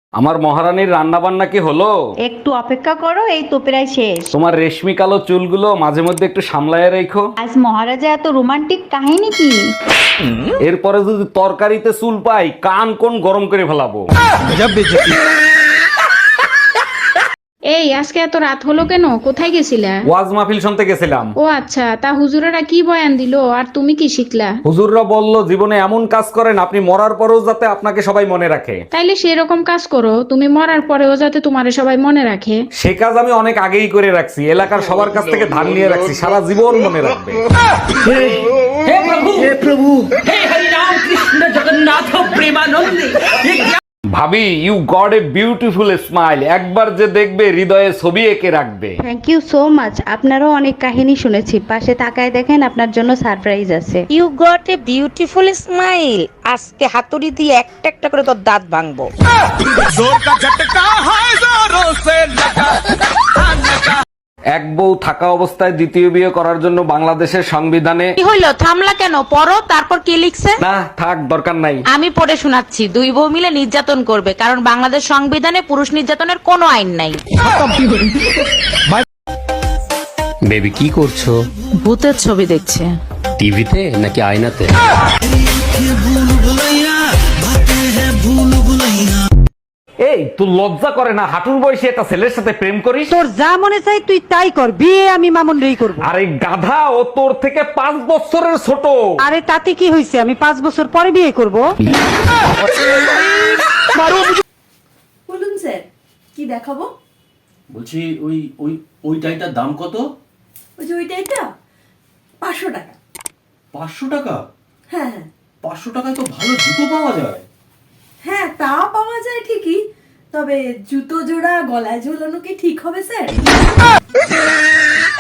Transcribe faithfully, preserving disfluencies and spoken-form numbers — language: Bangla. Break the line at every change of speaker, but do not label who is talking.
আমার মহারানীর রান্না বান্না কি হলো?
একটু অপেক্ষা করো, এই তো প্রায় শেষ।
তোমার রেশমি কালো চুলগুলো মাঝে মধ্যে একটু সামলায় রেখো।
আজ মহারাজা এত রোমান্টিক কাহিনী কি?
এরপরে যদি তরকারিতে চুল পাই কান কোন গরম করে ফেলাবো।
এই আজকে এত রাত হলো কেন? কোথায় গেছিলা?
ওয়াজ মাহফিল শুনতে গেছিলাম।
ও আচ্ছা, তা হুজুরেরা কি বয়ান দিলো আর তুমি কি শিখলা?
হুজুররা বলল জীবনে এমন কাজ করেন আপনি মরার পরেও যাতে আপনাকে সবাই মনে রাখে।
তাইলে সেরকম কাজ করো, তুমি মরার পরেও যাতে তোমারে সবাই মনে রাখে।
সে কাজ আমি অনেক আগেই করে রাখছি, এলাকার সবার কাছ থেকে ধান নিয়ে রাখছি, সারা জীবন মনে রাখবে।
हे प्रभु हे प्रभु हे हरि राम कृष्ण जगन्नाथ प्रेमानंद।
ভাবি, you got a beautiful smile, একবার যে দেখবে হৃদয়ে ছবি এঁকে রাখবে।
Thank you so much. আপনারও অনেক কাহিনী শুনেছি, পাশে তাকায় দেখেন আপনার জন্য সারপ্রাইজ আছে।
You got a beautiful smile. আজকে হাতুড়ি দিয়ে একটা একটা করে তোর দাঁত ভাঙবো।
এক বউ থাকা অবস্থায় দ্বিতীয় বিয়ে করার জন্য বাংলাদেশের সংবিধানে
কি হইলো? থামলা কেন? পড়ো, তারপর কি লিখছে?
না থাক, দরকার নাই।
আমি পড়ে শোনাচ্ছি। দুই বউ মিলে নির্যাতন করবে, কারণ বাংলাদেশ সংবিধানে পুরুষ নির্যাতনের কোনো আইন নাই।
বেবি কি করছো?
ভূতের ছবি দেখছে।
টিভিতে নাকি আয়নাতে?
এই তুই লজ্জা করে না? হাঁটুর বয়সে একটা ছেলের সাথে প্রেম করিস?
তোর যা মনে চাই তুই তাই কর, বিয়ে আমি মামুন রেই করবো।
আরে গাধা, ও তোর থেকে পাঁচ বছরের ছোট।
আরে তাতে কি হয়েছে, আমি পাঁচ বছর পরে বিয়ে করব।
বলুন স্যার, কি দেখাবো?
বলছি ওই ওই ওই টাইটার দাম কত?
ওই যে ওইটা, এটা পাঁচশো টাকা।
পাঁচশো টাকা?
হ্যাঁ হ্যাঁ
পাঁচশো টাকায় তো ভালো জুতো পাওয়া যায়।
হ্যাঁ, তা পাওয়া যায় ঠিকই, তবে জুতো জোড়া গলায় ঝোলানো কি ঠিক হবে স্যার?